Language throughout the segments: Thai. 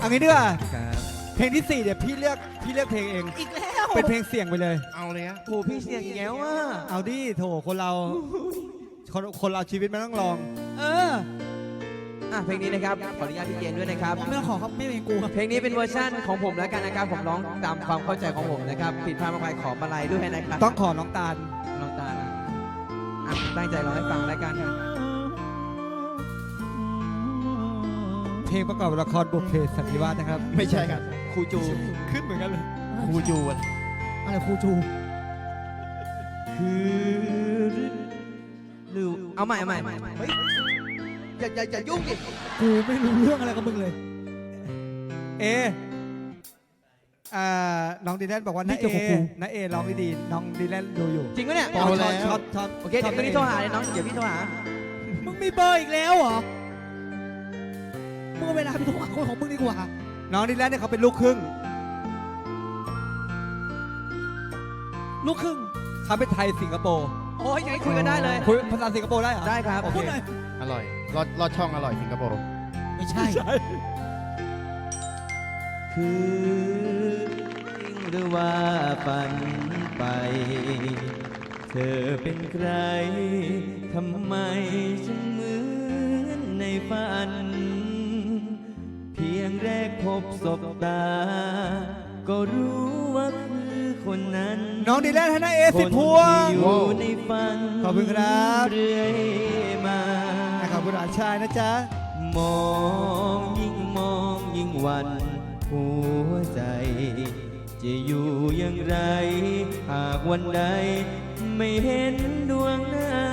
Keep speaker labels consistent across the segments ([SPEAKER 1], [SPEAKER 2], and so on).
[SPEAKER 1] เอางี้ดีกว่า
[SPEAKER 2] ครับ
[SPEAKER 1] เพลงที่4เดี๋ยวพี่เลือกเพลงเอง
[SPEAKER 3] อีกแล้ว
[SPEAKER 1] เป็นเพลงเสี่ยงไปเลย
[SPEAKER 4] เอาเลยฮะ
[SPEAKER 2] โอ้พี่เสียงแง้วอ่ะ
[SPEAKER 1] เอาดิโถคนเราคนเราชีวิตมันต้องลอง
[SPEAKER 3] เออ
[SPEAKER 2] เพลงนี้นะครับขออนุญาตพี่เจนด้วยนะครับ
[SPEAKER 3] ไม่ต้องขอครับไม่เป็นกูครับ
[SPEAKER 2] เพลงนี้เป็นเวอร์ชั่นของผมแล้วกันนะครับผมร้องตามความเข้าใจของผมนะครับผิดพลาดมากไปขอมาลัยด้วยนะครับ
[SPEAKER 1] ต้องขอน้องตาล
[SPEAKER 2] น้องตาลตั้งใจร้องให้ฟังแล้วกัน
[SPEAKER 1] เพลงประกอบละครบุพเพสันนิวาสนะครับ
[SPEAKER 4] ไม่ใช่ครับ
[SPEAKER 2] ครูจู
[SPEAKER 1] ขึ้นเหมือนกันเลย
[SPEAKER 4] ครูจูน
[SPEAKER 3] อะไรครูจู
[SPEAKER 2] คือหรือเอาใหม่เฮ้ยอย่ายุ่งดิ
[SPEAKER 3] กูไม่รู้เรื่องอะไรกับมึงเลย
[SPEAKER 1] เอน้องดีแลนบอกว่า
[SPEAKER 3] นี่
[SPEAKER 1] น้า
[SPEAKER 3] เกี่
[SPEAKER 1] เอ
[SPEAKER 3] ยวกับกู
[SPEAKER 1] น้าเอร้องดีๆน้องดีแลนดูอยู่
[SPEAKER 2] จริงปะเนี่ย
[SPEAKER 1] อ๋อชอบ
[SPEAKER 2] โอเคเดี๋ยวคืนนี้โทรหาเลยน้องเดี๋ยวพี่โทรหา
[SPEAKER 3] มึงมีเบอร์อีกแล้วเหรอมึงเอาเวลาไปโทรหาคนของมึงดีกว่า
[SPEAKER 1] น้องดีแลนเนี่ยเขาเป็นลูกครึ่ง
[SPEAKER 3] ลูกครึ่ง
[SPEAKER 1] เขาเป็นไทยสิงคโปร์
[SPEAKER 2] โอ้ยอย่างนี้คุยกันได้เลย
[SPEAKER 1] คุยภาษาสิงคโปร์ได้เหรอ
[SPEAKER 2] ได้ครับ
[SPEAKER 1] โอเค
[SPEAKER 3] พูดหน่อย
[SPEAKER 4] อร่อยรอดช่องอร่อยสิงคโปร์
[SPEAKER 3] ไม่ใช่
[SPEAKER 2] คือจริงหรือว่าฝันไป เธอเป็นใคร ทำไมฉันเหมือนในฝัน เพียงแรกพบศบตา ก็รู้ว่าคือคนนั้น
[SPEAKER 1] น้องดีแลนให้น้าเอ10 พวง
[SPEAKER 2] คนที่อยู่ในฝัน
[SPEAKER 1] ขอบคุณครับ
[SPEAKER 2] เรื่อยมา
[SPEAKER 1] ขอบคุณอาชายนะจ๊ะ
[SPEAKER 2] มองยิ่งหวัน หัวใจ จะอยู่อย่างไร หากวันใด ไม่เห็นดวงหน้า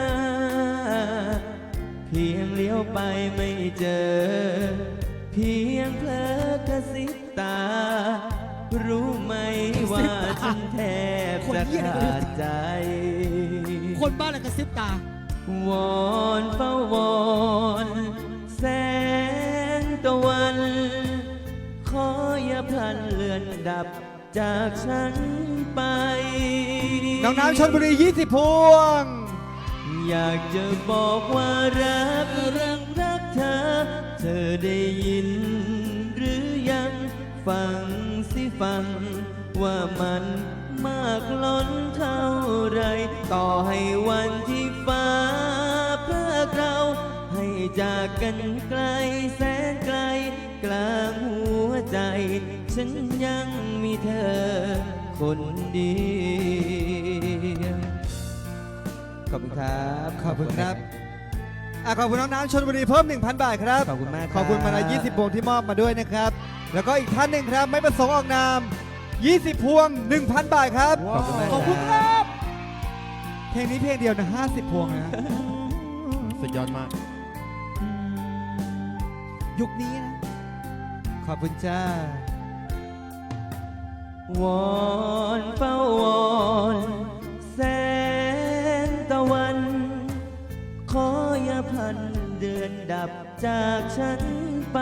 [SPEAKER 2] เพียงเลี้ยวไปไม่เจอ เพียงเพลอกระซิบตา รู้ไหมว่าฉันแทบจะขาดใจ
[SPEAKER 3] คนบ้านอะไรกระซิบตา
[SPEAKER 2] วอนเฝ้าวอนแสงตะวัน ขออย่าพลันเลือนดับจากฉันไป
[SPEAKER 1] น้องน้ำชลบุรี20 พวง
[SPEAKER 2] อยากจะบอกว่ารักเธอ เธอได้ยินหรือยังฟังสิฟัง ว่ามันมากล้นเท่าไรต่อให้วันที่ฟ้าเพื่อเราให้จากกันไกลแสนไกลกลางหัวใจ ฉันยังมีเธอคนเดียวขอบคุณครับ
[SPEAKER 1] ขอบคุณครับขอบคุณน้องน้ำชลบุรีเพิ่ม 1,000 บาทครับ
[SPEAKER 2] ขอบคุณมาก
[SPEAKER 1] ขอบคุณมาลัย20 พวงที่มอบมาด้วยนะครับ แล้วก็อีกท่านหนึ่งครับ ไม่ประสงค์ออกนาม 20 พวง 1,000 บาทครับ
[SPEAKER 2] ขอบคุณมาก
[SPEAKER 3] ขอบคุณครับ
[SPEAKER 1] เพลงนี้เพลงเดียวนะ50 พวงนะ
[SPEAKER 4] สุดยอดมาก
[SPEAKER 3] ยุคนี้นะ
[SPEAKER 1] ขอบคุณจ้า
[SPEAKER 2] วอนเฝ้าวอนแสงตะวัน ขออย่าพลันเดือนดับจากฉันไป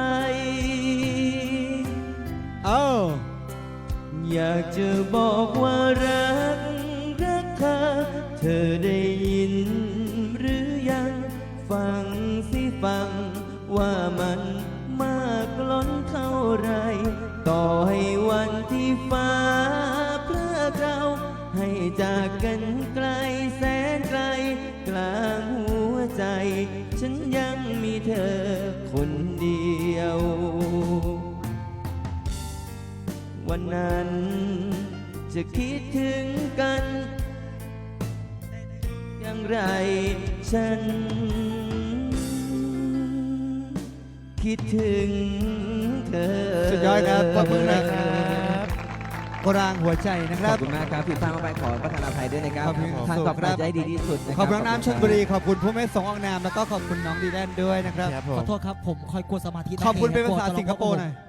[SPEAKER 1] เอ้า
[SPEAKER 2] อยากจะบอกว่ารักเธอ เธอได้ยินหรือยังฟังสิฟัง ว่ามันมากล้นเท่าไร ต่อให้วันที่ฟ้าเพื่อเราให้จากกันไกลแสนไกล กลางหัวใจ ฉันยังมีเธอคนเดียว วันนั้นจะคิดถึงกันอย่างไรฉันคิดถึงเธอ
[SPEAKER 1] สุดยอดครับ ขอบคุณนะครับกรางหัวใจนะค
[SPEAKER 2] ข
[SPEAKER 1] รั
[SPEAKER 2] อบบ คุณมากครับผิดพลาดมากไปขอประทานอภัยด้วยนะครับ
[SPEAKER 1] ขอบคุณ
[SPEAKER 2] ทางต่อไป
[SPEAKER 1] ครับ
[SPEAKER 2] จะให้ดีที่สุดนะ
[SPEAKER 1] ขอบคุณน้องน้ำชลบุรี ขอบคุณผู้ไม่ประสงค์ออกนาม แล้วก็ขอบคุณน้องดีแลนด้วยนะครับ
[SPEAKER 4] ครับผม
[SPEAKER 3] ขอโทษครับ ผมคอยกวนสมาธินะ
[SPEAKER 1] ขอบคุณเป็นภาษา
[SPEAKER 3] กลัว
[SPEAKER 1] สิงคโปร์หน่อย